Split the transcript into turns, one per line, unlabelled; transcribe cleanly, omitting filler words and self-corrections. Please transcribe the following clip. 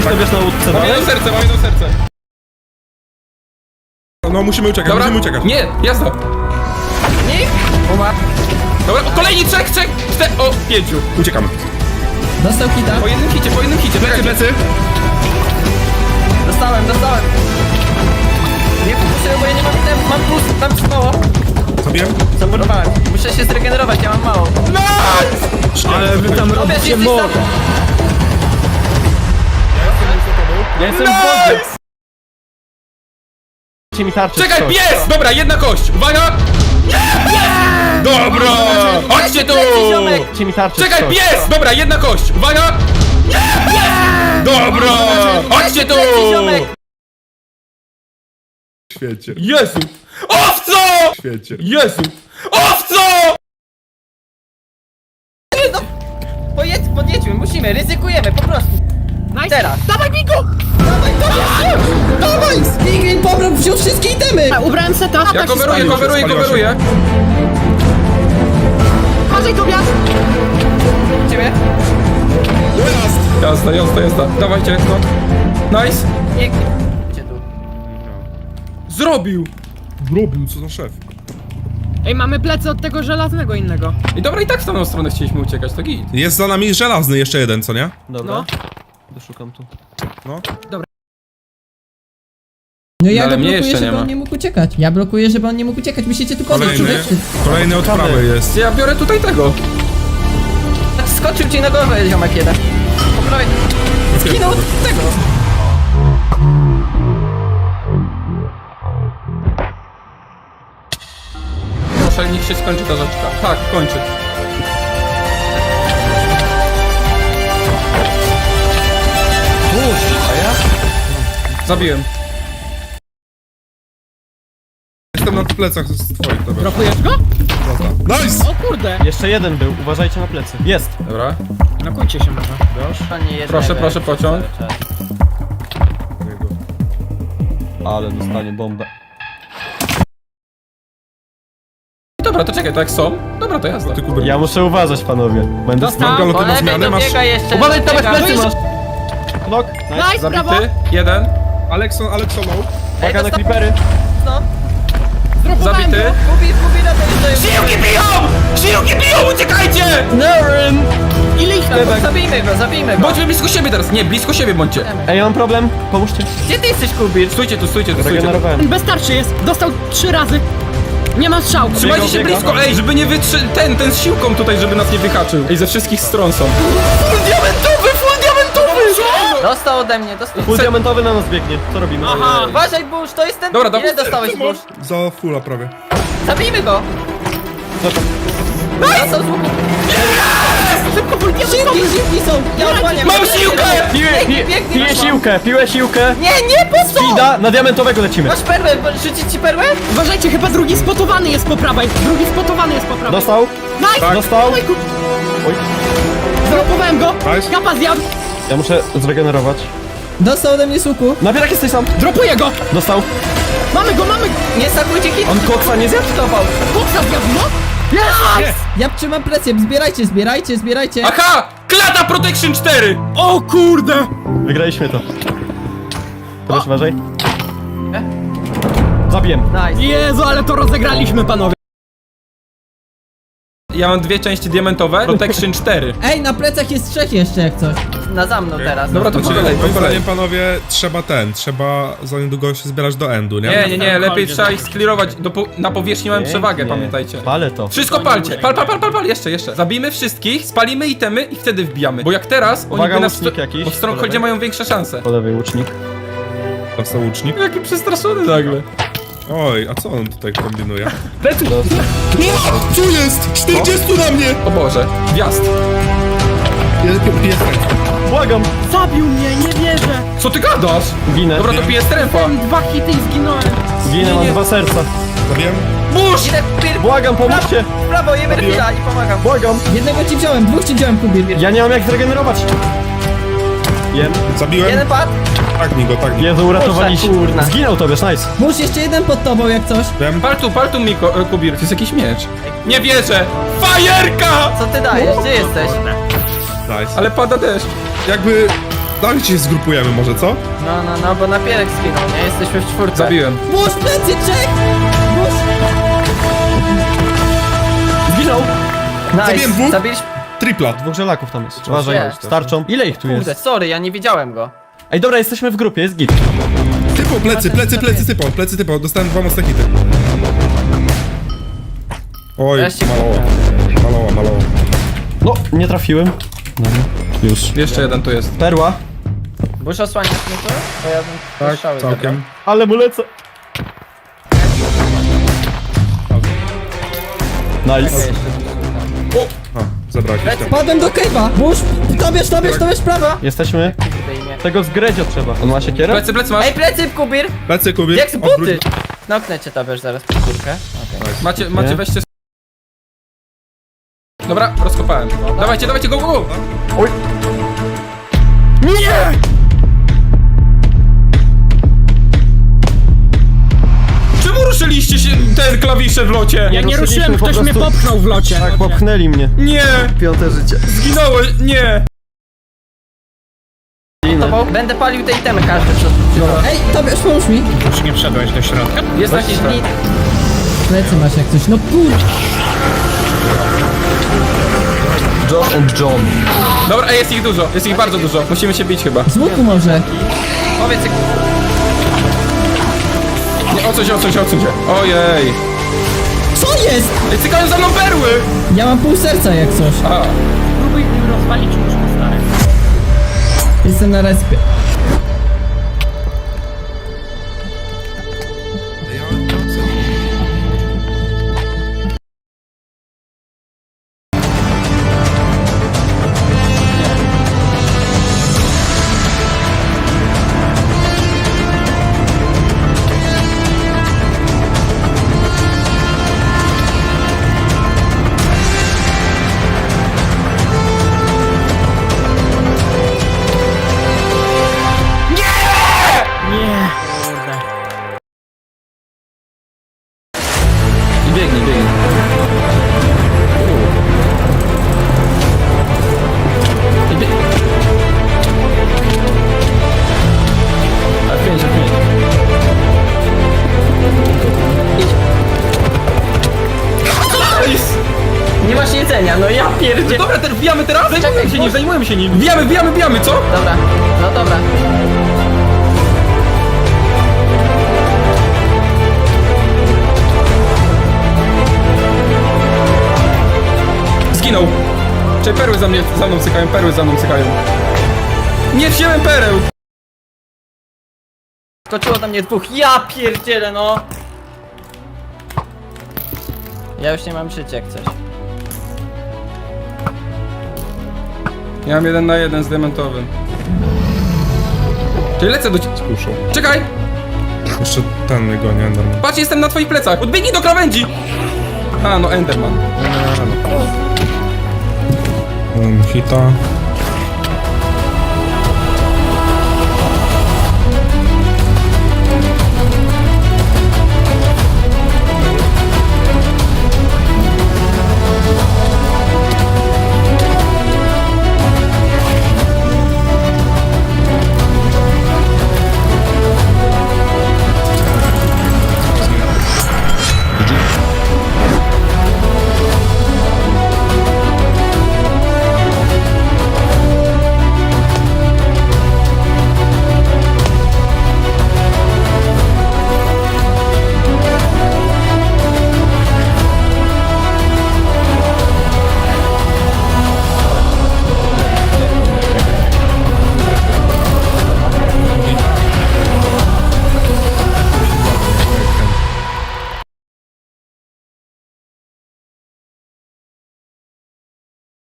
Tobiasz na łódce
Mam
dalej?
jedno serce, mam jedno serce.
No musimy uciekać,
Dobra,
musimy uciekać.
nie, jazda.
Nie? Umarł.
Dobra, o, kolejni, trzech, o, 5.
Uciekamy.
Dostał kita.
Po jednym hicie, plecy.
Dostałem. Nie fokusuję, bo ja nie mam item, mam plus, tam mało.
Zabiłem?
Zamurowałem. Muszę się zregenerować, ja mam mało.
Ale wy tam
Tobiasz,
robicie
jesteś
mor.
tam.
Ja jestem w wodzie. Dajcie mi tarczę.
Czekaj,
coś.
pies! Dobra, jedna kość, uwaga! Dobra! Chodźcie tu!
Dajcie mi tarczę.
Czekaj,
coś.
pies! Dobra, jedna kość, uwaga! Dobra! Chodźcie tu!
Ziomek.
W świecie,
Jezu! Owco!
w świecie.
Jezu! Owco!
Podjedźmy, musimy, ryzykujemy, po prostu.
Nice.
Teraz.
Dawaj, Bigo!
Dawaj! Pingwin pobrał, wziął wszystkie itemy!
Ubrałem seta.
Ja
tak się
coveruję,
spalił.
coveruję.
Uważaj, Tobiasz!
Ciebie?
Jazda. Dawajcie, nice.
Pięknie. Gdzie tu?
Zrobił!
Zrobił, co za szef.
Ej, mamy plecy od tego żelaznego innego.
I dobra, i tak w tamtą stronę chcieliśmy uciekać, to git.
Jest za nami żelazny jeszcze jeden, co nie?
Dobra.
No.
Doszukam tu.
No.
No ja
ale
go
mnie
blokuję,
jeszcze nie
żeby
ma.
on nie mógł uciekać. Ja blokuję, żeby on nie mógł uciekać. Musicie tu kogoś
Kolejny.
przywieźć.
Kolejny od prawej jest.
Ja biorę tutaj tego.
Skoczył ci na głowę, ziomek jeden. Po prawej. Skinął od tego.
Proszę, niech się skończy ta rzeczka. Tak, kończy. Zabiłem.
Jestem na plecach z twoich, dobra.
Dropujesz go?
Nice!
O kurde!
Jeszcze jeden był, uważajcie na plecy. Jest.
Dobra.
Nakujcie się może.
To nie jest
Proszę,
lewe.
proszę, pociąg.
Ale dostanie bombę.
Dobra, to czekaj, to jak są? Dobra, to jazda.
Ty kuber.
Ja muszę uważać, panowie. Będę
Dostał.
Mam galopy
Po
na
lewej
zmianę, masz...
dobiega jeszcze.
Uważaj, tam
dobiega.
plecy masz! Knok.
Nice, brawo!
Zabity, jeden.
Alekson low.
Uwaga na
dostał-
creepery.
No.
Dropowałem
Zabity.
go.
Kubi na to jest.
Siłki biją! Siłki biją, uciekajcie!
Ile ich tam?
Zabijmy go.
Bądźmy blisko siebie teraz, nie, blisko siebie bądźcie.
Ej, ja mam problem. Pomóżcie.
Gdzie ty jesteś, Kubir?
Stójcie tu.
Regenerowałem.
Bez tarczy jest. Dostał 3 razy. Nie ma strzału.
Trzymajcie się
Biega.
blisko, ej, żeby nie ten z siłką tutaj, żeby nas nie wyhaczył. Ej, ze wszystkich stron są. Full diamentowy!
Dostał ode mnie, dostał.
Full diamentowy na nas biegnie. Co robimy?
Aha.
Uważaj, Bush, to jest ten...
Dobra, dobra.
Ile dostałeś, Bush?
Za fulla prawie.
Zabijmy go! Dostał z łuku.
Siłki są!
Ja odłaniam.
Mam siłkę!
Piję siłkę.
Nie, po co?
Speeda, na diamentowego lecimy.
Masz perłę, rzucić ci perłę?
Uważajcie, chyba drugi spotowany jest po prawej. Drugi spotowany jest po prawej.
Dostał.
Nice!
Dostał.
Ojku.
Oj.
Dropowałem go.
Nice.
Kapa zjadł.
Ja muszę zregenerować.
Dostał ode mnie z łuku.
Napierak jesteś sam.
Dropuję go.
Dostał.
Mamy go.
Nie stakujcie hit.
On koksa nie zjadł?
Koksa zjadł, no. Nice!
Ja trzymam presję. Zbierajcie.
Aha! Klata Protection 4!
O kurde!
Wygraliśmy to. Teraz uważaj. Zabijem.
Nice.
Jezu, ale to rozegraliśmy, panowie.
Ja mam 2 części diamentowe, Protection 4.
Ej, na plecach jest 3 jeszcze jak coś.
Na za mną teraz.
Dobra, to po kolei, po
Moim
kolei.
zdaniem, panowie, trzeba za niedługo się zbierać do endu, nie?
Nie, lepiej trzeba ich sklirować. Na powierzchni mamy przewagę,
Pięknie.
pamiętajcie.
Palę to.
Wszystko palcie! Pal, jeszcze. Zabijmy wszystkich, spalimy itemy i wtedy wbijamy. Bo jak teraz, oni
Uwaga,
by nas...
łucznik jakiś.
Bo w Strongholdzie mają większe szanse.
Po lewej łucznik.
Dostał łucznik.
Jaki przestraszony nagle.
Oj, a co on tutaj kombinuje?
Dostał.
Co jest? 40 na mnie!
O Boże, gwiazd.
Błagam.
Zabił mnie, nie wierzę.
Co ty gadasz?
Ginę.
Dobra, to piję strefa.
Mam 2 hity i zginąłem.
Ginę, mam 2 serca.
Zabiłem?
Burz!
Idę
Błagam, pomóżcie.
w prawo, jemy chwila i pomagam.
Błagam.
Jednego ci wziąłem, 2 ci wziąłem, Kubir.
Ja nie mam jak zregenerować. Jem.
Zabiłem?
Jeden pad.
Tak mi go.
Jezu, uratowaliście.
Boże, kurna.
Zginął Tobiasz, nice.
Musz jeszcze jeden pod tobą jak coś.
Wiem.
Pal tu mi, Kubir. To jest jakiś miecz. Nie wierzę! Fajerka!
Co ty dajesz? Gdzie jesteś?
Nice.
Ale pada deszcz.
Jakby Dawajcie się zgrupujemy może, co?
No, bo napierek skinął, nie? Jesteśmy w czwórce.
Zabiłem.
Burz, plecy, Czech! Burz!
Zginął!
Zabiłem
Nice,
dwóch.
zabiliśmy...
Tripla.
Dwóch żelaków tam jest. Uważaj,
jest.
starczą. Ile ich tu
Kurde,
jest?
sorry, ja nie widziałem go.
Ej, dobra, jesteśmy w grupie, jest git.
Typo, plecy, typo. Dostałem 2 mocne hity. Oj,
Wreszcie
maloła.
No, nie trafiłem. Dobra, już.
Jeszcze jeden tu jest.
Perła.
Bush osłaniasz mnie tu? Bo ja bym
Tak,
strzały
całkiem.
Ale mu lecę. Nice.
A, zabrałeś tam.
Padłem do cave'a! Burz, tobierz prawa!
Jesteśmy. Tego z Gredzio trzeba. On ma siekierę?
Plecy masz?
Ej, plecy, Kubir!
Plecy, Kubir.
Jak z
Odwróć-
buty! Knoknę cię tabierz zaraz pod górkę. Okay.
Macie,
Nie?
weźcie... Dobra, rozkopałem. Dawajcie, go!
Oj. Nie!
Czemu ruszyliście się ten klawisze w locie?
Ja nie
ruszyliśmy
ruszyłem,
po
ktoś mnie
prostu.
popchnął w locie.
Tak, popchnęli mnie.
Nie!
Piąte życie.
Zginąłeś! Nie!
Będę palił te itemy każdy co...
Ej, tobierz, pomóż mi!
Już nie wszedłeś do środka?
Jest jakiś git.
Plecy masz jak coś, no kur...
Josh and John.
Dobra, ej, jest ich dużo, jest ich bardzo dużo. Musimy się bić chyba.
Z łuku może.
Powiedz jak...
Nie, odsuń się. Ojej.
Co jest?
Ej, cykają za mną perły!
Ja mam pół serca jak coś.
A,
Próbuj im rozwalić łóżko, stary.
Jestem na respie.
Nie. Kurde.
i biegnij.
Nie masz jedzenia, no ja pierdzie...
Dobra, wbijamy teraz?
Czekaj,
Zajmujemy się nim. Wbijamy, co?
Dobra, no dobra.
Zginął. Czy perły za mną cykają. Nie wziąłem pereł!
Skoczyło tam mnie dwóch, ja pierdzielę no! Ja już nie mam życia jak coś.
Ja mam 1 na 1 z diamentowym. Czyli lecę do ciebie.
Skuszą.
Czekaj!
Jeszcze ten mnie goni, Enderman.
Patrz, jestem na twoich plecach! Odbiegnij do krawędzi! A, no Enderman.
Hita.